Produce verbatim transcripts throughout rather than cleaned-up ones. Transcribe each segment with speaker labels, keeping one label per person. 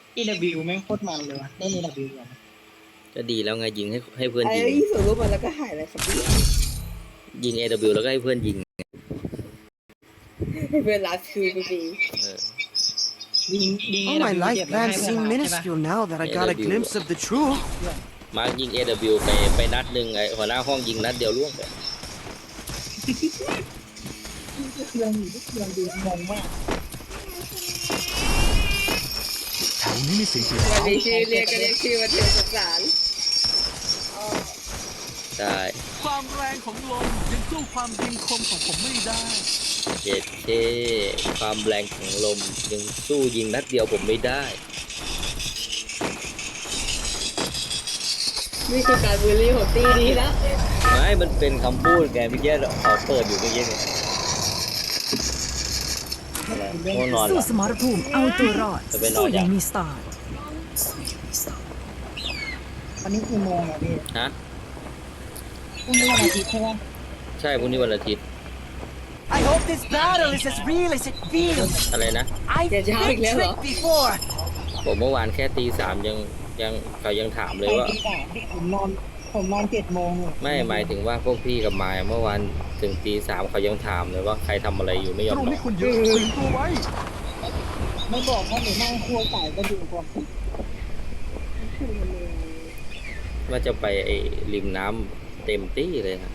Speaker 1: เอ ดับเบิลยู แม่งโคตรมันเลยวะได้ เอ ดับเบิลยู ก่อน
Speaker 2: ก็ดีแล้วไงยิงให้ให้เพื่อน
Speaker 3: ไอ้
Speaker 2: ยิง
Speaker 3: ยี่ส่งรูปมาแล้วก็หายเลยครับพี่
Speaker 2: ยิง เอ ดับเบิลยู แล้วก็ให้เพื่อนยิง
Speaker 3: ให้เพื่อนรักคือพี่
Speaker 2: เออ
Speaker 1: ยิงยิง
Speaker 4: All my life
Speaker 1: เก็บไว้
Speaker 4: plans
Speaker 1: ให้เพื่อน
Speaker 4: seem
Speaker 1: รักใช่ปะ
Speaker 4: minuscule now that I got a glimpse of the truth.
Speaker 2: มาร์กยิง เอ ดับเบิลยู ไปไปนัดหนึ่งไอ้หัวหน้าห้องยิงนัดเดียวล่วงไป
Speaker 1: เครื่องอยู่ที่เครื่องดูงงมาก
Speaker 4: แถวนี้มีสิ่งที่
Speaker 3: วันนี้ชื่อเรียกก็เรียกชื่อว่าเธอสงสาร
Speaker 2: ใช่
Speaker 5: ความแรงของลมยังสู้ความยิงคมของผมไม่ได้
Speaker 2: เจ็ดเคความแรงของลมยังสู้ยิงนัดเดียวผมไม่ได้
Speaker 3: นี่คือการบูลลี่ของตีดีแล้ว
Speaker 2: ไม่มันเป็นคำพูดไงเมื่อกี้เขาเปิดอยู่เมื่อกี้เนี่ยอะไรง่วงนอนเหร
Speaker 6: สู้
Speaker 2: อ
Speaker 6: สมรภูมิเอาตัวรอด
Speaker 2: จะไปนอน
Speaker 6: สู้อ
Speaker 2: ยั
Speaker 6: ย่าง งมีสไตล์
Speaker 1: วันนี้กี่โมงอ่ะพี่
Speaker 2: ฮะ
Speaker 1: พรุ่งนี้วันอาทิตย์ใช่ปะ
Speaker 2: ใช่พรุ่งนี้วันอาทิตย์
Speaker 4: I hope this battle is as real as it feels.
Speaker 2: อะไรนะ
Speaker 4: I've been tricked before.
Speaker 2: ผมเมื่อวานแค่ตีสามยังยังเขายังถามเลยว่า
Speaker 1: ไปตีสามพี่ผมนอนผมนอนเจ็ดโมงอะ
Speaker 2: ไม่หมายถึงว่าพวกพี่กับมายเมื่อวานถึงตีสามเขายังถามเลยว่าใครทำอะไรอยู่ไม่ยอม
Speaker 5: ตรง
Speaker 2: นอ
Speaker 5: นี้
Speaker 2: น
Speaker 5: คุณเยอะถึงตัวไว้
Speaker 1: ไม่บอกว่าหนูนั่งครัวไก่ก็ดูกว่า
Speaker 2: ว่าจะไปไอ้ริมน้ำเต็มที่เลยนะ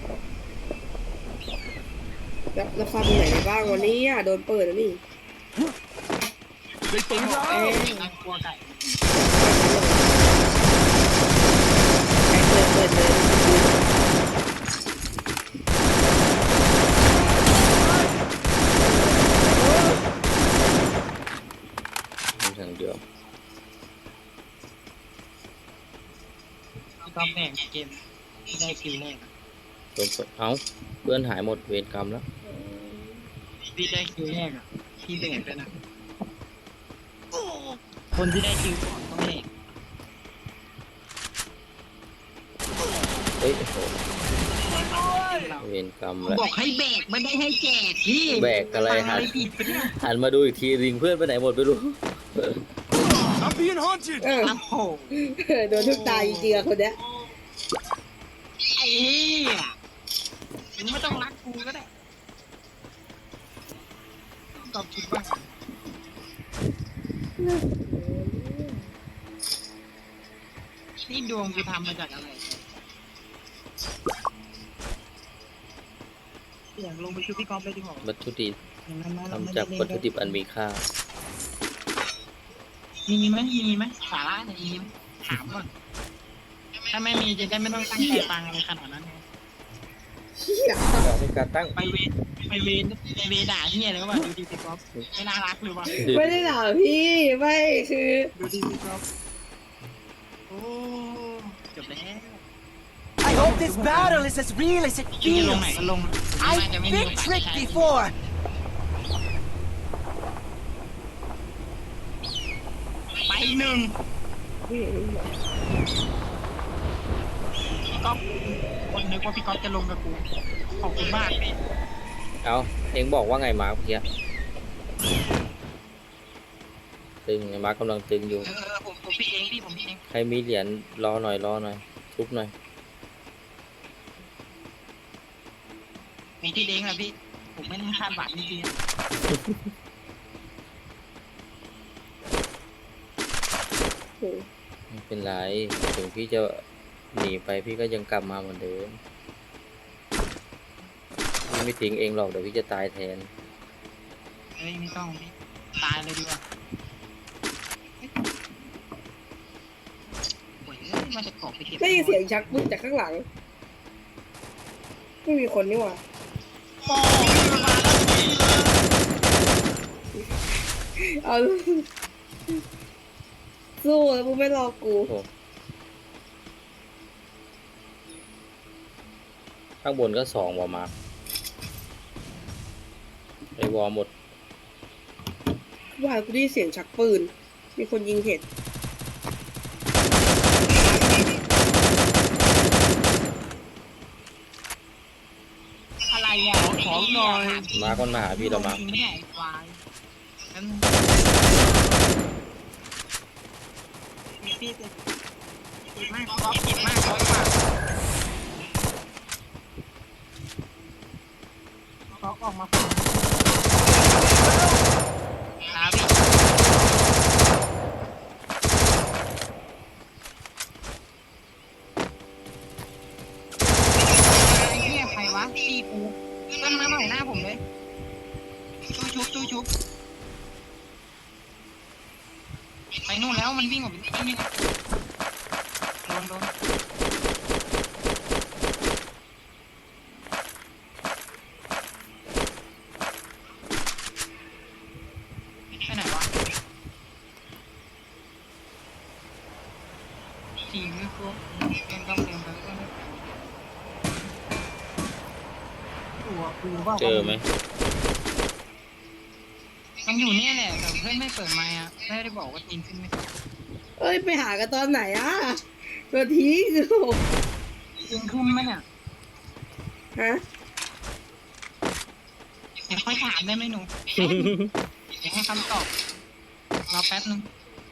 Speaker 3: แล้วแล้วฟังไหนบ้างวันนี้อ่ะโดนเปิดแล้วนี่
Speaker 5: ได้ปืนแล้ว
Speaker 3: เอ๊ะ
Speaker 1: นั่งครัวไก่
Speaker 3: เปิดเปิดเลย
Speaker 2: ทางเดียว
Speaker 1: ตอนแบ่งเกมที่ได้คิวแรกอะ
Speaker 2: โดนสดเอ้าเพื่อนหายหมดเวรกรรมแล้ว
Speaker 1: พี่ได้คิวแรกอ่ะพี่แบ่งไปนะคนที่ได้คิวก่อนต้องแบ่ง
Speaker 2: เฮ้ยโอ้โหเวรกรรมแล้ว
Speaker 1: บอกให้แบกไม่ได้ให้แจกพี่
Speaker 2: แบกอะไร
Speaker 1: ฟัง
Speaker 2: หัน
Speaker 1: ผิดไปเนี่ย
Speaker 2: หันมาดูอีกทีริงเพื่อนไปไหนหมดไม่รู้
Speaker 5: I'm being haunted
Speaker 3: เออ
Speaker 1: โอ้โห
Speaker 3: โดนทุกตายจริงๆอะคนเนี้ย
Speaker 1: ไอ้เหี้ยมึงไม่ต้องรักกูก็ได้ตอบคิดว่านี่ดวงกูทำมาจากอะไรเสียงลงไปช่วยพี่กอล์ฟเลยดีกว่า
Speaker 2: วัตถุดิบ
Speaker 1: อย่างนั้นนะเร
Speaker 2: ทำ
Speaker 1: ไม่
Speaker 2: จาก
Speaker 1: ได้เล่น
Speaker 2: วัตถุดิบอันมีค่า
Speaker 1: มีไหมมีไหมสาระเนี่ยมีไหมถามก่อนถ้าไม่มีจะได้ไม่ต้องตั้งใจฟังอะไรขนาดนั้นไง
Speaker 3: เชี่ย
Speaker 2: ในการตั้ง
Speaker 1: ไปเวรไปเวรไปเวรด่าเฮียเลยว่าดูดีพี่กอล์ฟไม่น่ารักเลยว่ะ
Speaker 3: ไม่ได้ด่าพี่ไม่คือ
Speaker 1: ดูดีพี่กอล์ฟโอ้จบแล้ว
Speaker 4: I hope this battle is as real as it
Speaker 1: พี่จะลงไหน
Speaker 4: feels.
Speaker 1: ก็ลงน่า
Speaker 4: I've
Speaker 1: จะไม่มีโอ
Speaker 4: been
Speaker 1: กาส
Speaker 4: tricked
Speaker 1: ใช้
Speaker 4: before.
Speaker 1: ไปหนึ่งพี่ก๊อฟคนนึกว่าพี่ก๊อฟจะลงกับกูขอบคุณมากพี่
Speaker 2: เอาเองบอกว่าไงมาร์คเมื่อกี้ตึงไงมาร์คกำลังตึงอยู่
Speaker 1: เออผมผมพี่เองพี่ผมพี่เอง
Speaker 2: ใครมีเหรียญรอหน่อยรอหน่อยทุบหน่อย
Speaker 1: มีที่เด้งอะพี่ผมไม่ได้คาดหวังจริง
Speaker 3: โอ้
Speaker 2: ไม่เป็นไรถึงพี่จะหนีไปพี่ก็ยังกลับมาเหมือนเดิมพี่ไม่ทิ้งเองหรอกเดี๋ยวพี่จะตายแทน
Speaker 1: ๆเฮ้ยไม่ต้องพี่ตายเลยดีกว่าโอ้ยมาจะกอบไปเก็บ
Speaker 3: ได้ยินเสียงชักปืนจากข้างหลัง ไม่มีคนนี่หว่า
Speaker 1: ปอมาแล้วพี่เลย
Speaker 3: เอาสู้แล้วมึงไม่รอกู
Speaker 2: โอ้ข้างบนก็สองวอมาร์คไอวอหมด
Speaker 3: ว่ากูได้ยินเสียงชักปืน มีคนยิงเห็ด
Speaker 1: อะไรอ่ะของหน่อย
Speaker 2: มาร์คมันมาหาพี่เรามาร์ค
Speaker 1: จริงไม่ใช่ควายงั้นพี่ติดติดมากก๊อฟติดมากร้อยกว่าก๊อฟออกมาฝั่งครับพี่ไอ้เหี้ยใครวะตีกูต้นมาหน่อยหน้าผมเลยชูชุบชูชุบไปนู่นแล้วมันวิ่งออกไปนี่โดนโดนไปไหนวะทีมไม่ครบยังต้องเตรียมไปก่อนตัวกูว่า
Speaker 2: เจอไหม
Speaker 1: มันอยู่เนี่ยแหละแต่เพื่อนไม่เปิดไมค์อ่ะไม่ได้บอกว่าทีมขึ้นไม่ขึ้น
Speaker 3: เอ้ยไปหากันตอนไหนอ่ะตัวทิ้ง
Speaker 1: ทีมขึ้นไหมเนี่ย
Speaker 3: ฮะ
Speaker 1: เดี๋ยวค่อยถามได้ไหมหนูเดี๋ยวให้คำตอบรอแป๊บนึง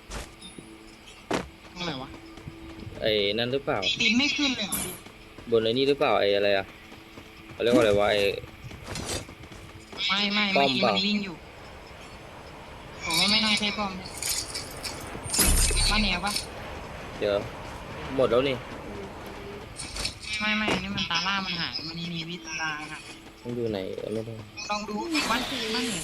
Speaker 1: อะไรวะ
Speaker 2: ไอ้นั่นหรือเปล่า
Speaker 1: ทีมไม่ขึ้นเลย
Speaker 2: บนไอ้นี่หรือเปล่าไอ้อะไรอะเขาเรียกว่าอะไรวะไอ้
Speaker 1: ไม่ไม่
Speaker 2: ป้
Speaker 1: เมื่
Speaker 2: อ
Speaker 1: อ
Speaker 2: ม
Speaker 1: กี้
Speaker 2: เปล่า
Speaker 1: มันวิ่งอยู่ผมว่าไม่น่าใช่ป้อมบ้านเหนียวปะ
Speaker 2: เดี๋ยวหมดแล้วนี่
Speaker 1: ไม่ไม่นี่มันตาล่ามันหายมันมีวิตาค่ะ
Speaker 2: มันอยู่ไหนไม่ได้
Speaker 1: ลองดูบ้านบ้านเหนียว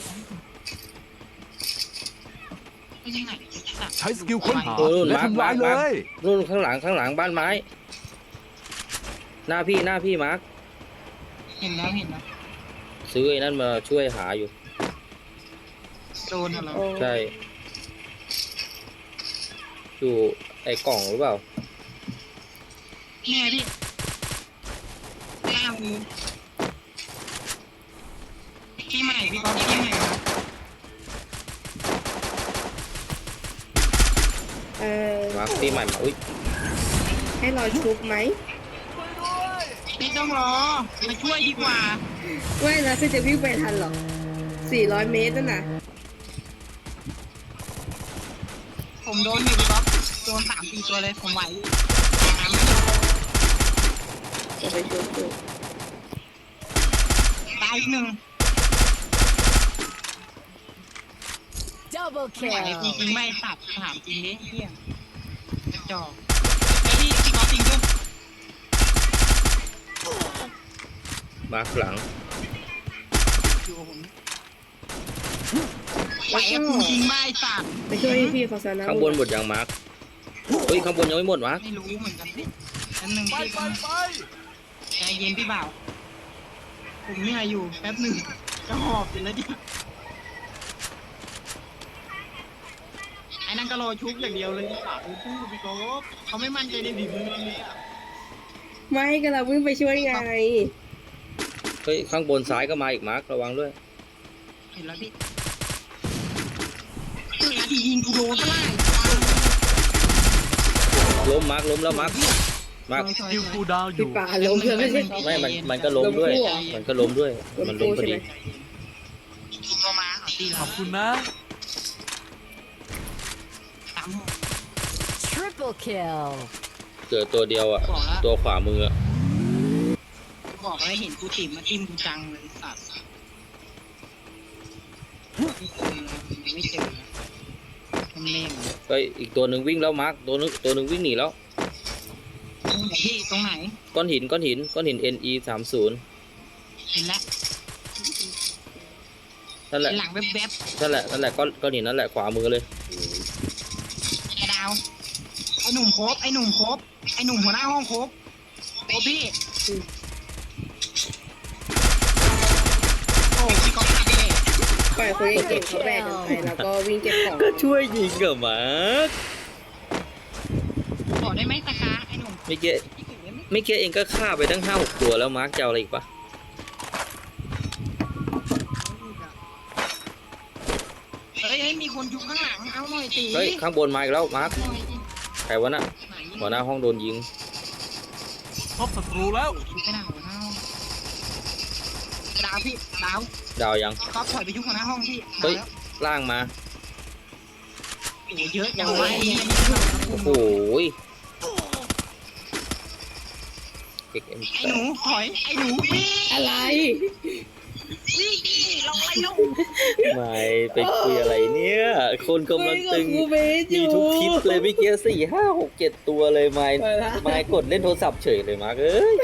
Speaker 1: ไม่ใช่ไหน
Speaker 5: ใช้สกิลค้นหา
Speaker 2: โอ้นู่น
Speaker 5: และ
Speaker 2: มาร์ค
Speaker 5: ทำลายเล
Speaker 2: มาร์ค
Speaker 5: ย
Speaker 2: นู่นข้างหลังข้างหลังบ้านไม้ หน้าพี่หน้าพี่มาร์ค
Speaker 1: เห็นแล้วเห็นแล้ว
Speaker 2: ซื้อไอ้นั่นมาช่วยหาอยู่
Speaker 1: โดนเหรอ
Speaker 3: โอ้
Speaker 2: ใช่ อยู่ไอ้กล่องหรือเปล่า
Speaker 1: นี่ไงพี่หน้ามือพี่ใหม่พี่ก๊อฟพี่ใหม่ครับ
Speaker 3: เออ
Speaker 2: มาร์คพี่ใหม่มาอุ้ย
Speaker 3: ให้รอชุบไหม
Speaker 1: พี่ต้องรอมาช่วยดีกว่า
Speaker 3: ไม่แล้วคือจะวิ่งไปทันเหรอสี่ร้อยเมตรนั่นน่ะ
Speaker 1: ผมโดนอยู่พี่ก๊อฟโดนสามสี่ตัวเลยผมไหวตามไม่
Speaker 3: จะไปชุบดู
Speaker 1: ตายอีกหนึ่ง
Speaker 4: Double
Speaker 1: ไม่ไหวจ
Speaker 4: kill.
Speaker 1: ริงๆไม่สับถามจริงดิเฮียกระจอกไอ้พี่พี่ก๊อฟจริงด้วย
Speaker 2: มาร์คหลัง
Speaker 1: อยู่กับผมไหวกับกูจริงไม่สับ
Speaker 3: ไปช่วยพี่เขาซะนะ
Speaker 2: ข้างบนหมดยังมาร์คเฮ้ยข้างบนยังไม่หมดมาร์ค
Speaker 1: ไม่รู้เหมือนกันพี่อันหนึ่ง
Speaker 5: ไป
Speaker 1: พี่
Speaker 5: ไปไป
Speaker 1: ใจเย็นพี่บ่าวผมเหนื่อยอยู่แป๊บหนึ่งจะหอบอยู่แล้วดิไอ้นั่นก็รอชุบอย่างเดียวเลยพี่บ่าวพูดพี่ก๊อฟเขาไม่มั่นใจในฝีมือเลยอะ
Speaker 3: ไม่ก็เราวิ่งไปช่วยไง
Speaker 2: เฮ้ยข้างบนซ้ายก็มาอีกมาร์คระวังด้วย
Speaker 1: เห็นแล้วพี่นาทียิงกูโดนก็ได้
Speaker 2: ล้มมาร์คล้มแล้วมาร์คมาร์ค
Speaker 5: สกิลคูลดาวน์อ
Speaker 3: พี่
Speaker 5: ยู่
Speaker 3: ป่าลงเพื่อนไม่ใช่เขา
Speaker 2: ไม่มันมันก็ล้มด้วย มันก็ล้มด้วย มันล้มพอดี
Speaker 1: ชุบลงมาเอาตี
Speaker 5: ข
Speaker 1: เรา
Speaker 5: อบคุณนะ
Speaker 1: สามหก
Speaker 4: Triple kill.
Speaker 2: เกิดตัวเดียวอ่ะ
Speaker 1: บอกแล้ว
Speaker 2: ตัวขวามืออะ
Speaker 1: บอกแล้วเห็นกูติ่มมาจิ้มกูจังเลยสัตว์ไม่เจอไม่เจอมันเล่น
Speaker 2: เฮ้ยอีกตัวหนึ่งวิ่งแล้วมาร์คตัวนึงตัวหนึ่งวิ่งหนีแล้ว
Speaker 1: พี่ตรงไหน
Speaker 2: ก้อนหินก้อนหินก้อนหิน เอ็น อี สามสิบ
Speaker 1: เห็นแล้ว
Speaker 2: นั่นแหละ
Speaker 1: หลังแวบ
Speaker 2: นั่นแหละนั่นแหละก้อนก้อนหินนั่นแหละขวามือเลย
Speaker 1: ๆไอ้ดาวไอ้หนุ่มโคบไอ้หนุ่มโคบไอ้หนุ่มหัวหน้าห้องโคบโอ้พี่โอ้พี่ก็พลาดไปเลย
Speaker 3: ปล่อยคนเก่งๆเขาแบกกันไปแล้วก็วิ่งเก็บของ
Speaker 2: ก็ช่วยยิงกับมาร์ค
Speaker 1: บอกได้ไหมตะกาไอ้หนุ่ม
Speaker 2: ไม่เกี้ไม่เกี้เองก็ฆ่าไปตั้งห้าหกตัวแล้วมาร์คจะเอาอะไรอีกปะ
Speaker 1: เฮ้ยเฮ้ยมีคนอยู่ข้างหลังเอาหน่อยตี
Speaker 2: เฮ้ยข้างบนมาอีกแล้วมาร์ค
Speaker 1: หน่อยดิ
Speaker 2: ใครวะน่ะ
Speaker 1: ไหน
Speaker 2: หัวหน้าห้องโดนยิง
Speaker 5: พบศัตรูแล้ว
Speaker 1: ชุบไปหน้าหัวหน้าห้องดาวพี่ดาว
Speaker 2: ดาวยัง
Speaker 1: ก๊อฟถอยไปชุบหัวหน้าห้องพี่
Speaker 2: เฮ้ย
Speaker 1: ดาวแล้ว
Speaker 2: ล่างมา
Speaker 1: พโอ้เยอะอย่างไร
Speaker 2: โอ้โหยเอ็กเอ็ม
Speaker 1: ไอ้หนูถอยไอ้หนูวิ่ง
Speaker 3: อะไร
Speaker 1: วิ่งดิลงอะไรลง
Speaker 2: ไม่ไปคุยอะไรเนี่ย คนกำลังตึง
Speaker 3: คุยกับครูเบสอยู่
Speaker 2: มีทุกคลิปเลยเมื่อกี้สี่ห้าหกเจ็ดตัวเลยไม่
Speaker 3: ไปละ
Speaker 2: ไม่กดเล่นโทรศัพท์เฉยเลยมาร์คเอ้ย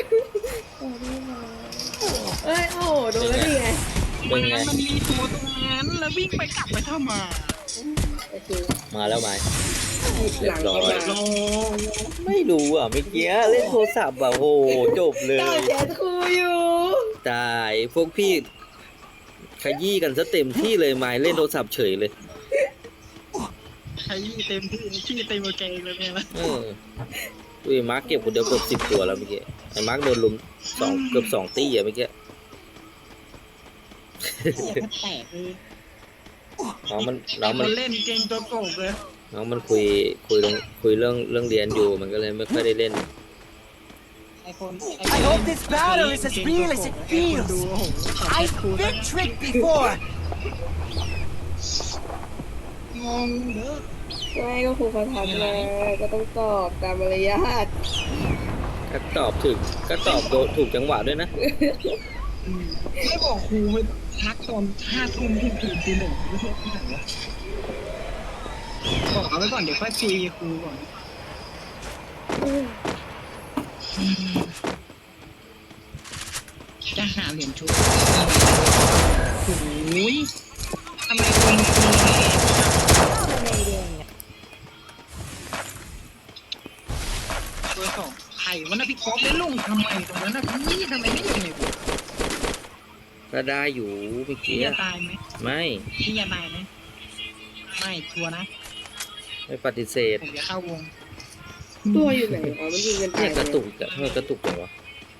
Speaker 3: เอ้ยโอ้โหโดนแล้วนี่ไง
Speaker 2: เป็
Speaker 1: มัน
Speaker 2: นไง
Speaker 1: มันมีตัวตรงนั้นแล้ววิ่งไปกลับไปทำไม
Speaker 3: โอเค
Speaker 2: มาแล้วไหม
Speaker 3: หยิบหลังเข้ามา
Speaker 1: ลง
Speaker 2: ไม่รู้อ่ะเมื่อกี้เล่นโทรศัพท์แบบโอ้โหจบเลย
Speaker 3: ต่อแชทครูอยู่
Speaker 2: ตายพวกพี่ขยี้กันซะเต็มที่เลยไม่เล่นโทรศัพท์เฉยเลย
Speaker 1: ใช้เต็มที่ชื่อเต็มโอเคเลยเนี่ยนะ
Speaker 2: เอออุ้ยมาร์คเก็บคนเดียวเกือบสิบตัวแล้วเมื่อกี้ไอ้มาร์คโดนลุมสองเกือบสองตีอ่ะเมื่อกี้
Speaker 1: แตกเลย
Speaker 2: น้องมันน้
Speaker 1: แต่
Speaker 2: อง
Speaker 1: ค
Speaker 2: มัน
Speaker 1: นเล่นเก่งตัวโกงเลย
Speaker 2: น้องมันคุยคุยเรื่องคุยเรื่องเรื่องเรียนอยู่มันก็เลยไม่ค่อยได้เล่น
Speaker 1: ไอคน
Speaker 4: I hope this battle is as real as it feels. I've been tricked before.
Speaker 1: งงเด้อ
Speaker 3: ไม่ก็ครูเขาทักมาก็ต้องตอบตามมารยาท
Speaker 2: ก็ตอบถึกก็ตอบโดนถูกจังหวะด้วยนะ
Speaker 1: ไม่บอกครูไม่ทักตอนห้าทุ่มที่คืนตีหนึ่งไม่ใช่ที่ไหนวะบอกเอาไว้ก่อนเดี๋ยวค่อยคุยกับครูก่อนจะหาเหรียญชุดโอ้ยทำไมคนตัวสองไข่วันนั้นพี่ก๊อฟได้ลงทำไมตรงนั้นนะพี่ทำไมไม่ลงเลยกู
Speaker 2: ก็ได้อยู่เมื่อ
Speaker 1: พี่
Speaker 2: กี้
Speaker 1: จะตายไหม
Speaker 2: ไม่
Speaker 1: พี่จะตายไหมไม่ชัวร์นะ
Speaker 2: ไม่ปฏิเสธ
Speaker 1: ผมจะเข้าวง
Speaker 3: ตัวอยู่ไหนอ๋อมันยิงกันตา
Speaker 2: เนี่ย ยกระตุกอะทำไมกระตุกจังวะ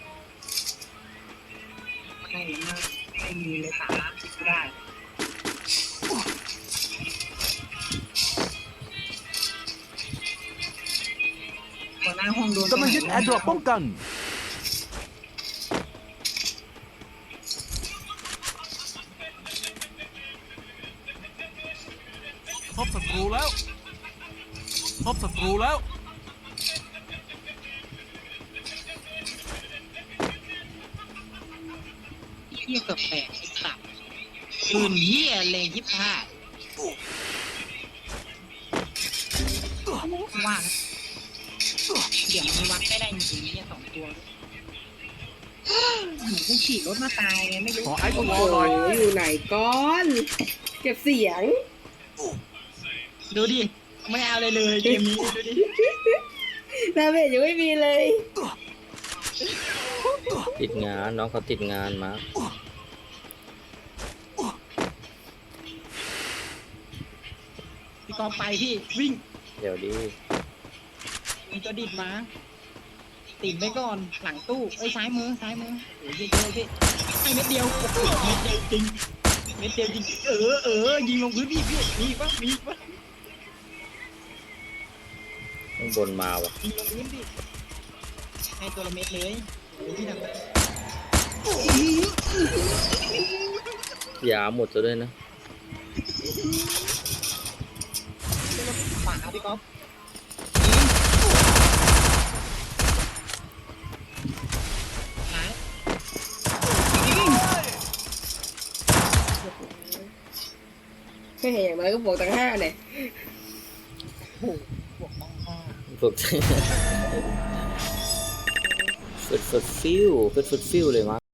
Speaker 1: ไม่ไม่ไม่มีเลยสาระคิดไม่ได้หัวหน้าห้องโดน
Speaker 5: กำลังยึดแอร์ดรอปป้องกันพบศัตรูแล้วพบศัตรูแล้ว
Speaker 1: เหี้ยเกือบแตกไอ้สับปืนเหี้ยเลยยิบห้าว่านะเดี๋ยวมันวัดไม่ได้จริงๆเนี่ยสองตัวหนูกูขี่รถมาตายไงไม่รู้
Speaker 5: ขอไอ้ตัว
Speaker 3: โอ้
Speaker 5: วอลหน่อย
Speaker 3: โหอยู่ไหนก้อน เก็บเสียง
Speaker 1: ดูดิ ไม่เอาเลยเลยเกมนี้ดูดิ
Speaker 3: ดาเมจยังไม่มีเลย
Speaker 2: ติดงานน้องเขาติดงานมา
Speaker 1: พี่กอไปพี่วิ่ง
Speaker 2: เดี๋ยวดิ
Speaker 1: มีตัวดิดมาติดไปก่อนหลังตู้เอ้ยซ้ายมือซ้ายมือโอ้ยเยอะๆพี่ให้เม็ดเดียวโอ้โหเม็ดเดียวจริงเม็ดเดียวจริงเออเออยิงลงพื้นพี่พี่มีปะมีปะ
Speaker 2: ข้างบนมาวะ
Speaker 1: ยิงลงพื้นพี่ให้ตัวละเม็ดเลยโอ้ยพี่ทำได้
Speaker 2: ยาหมดตัวด้วยนะ
Speaker 1: ขวาพี่ก๊อฟซ้ายยิง
Speaker 3: แค่เห็นอย่างน้อยก็บวกตั้งห้าเนี่ย
Speaker 1: โอ้โหบวกมองห้า
Speaker 2: พวก ฟึดฟึดฟิวฟึดฟึดฟิวเลยมา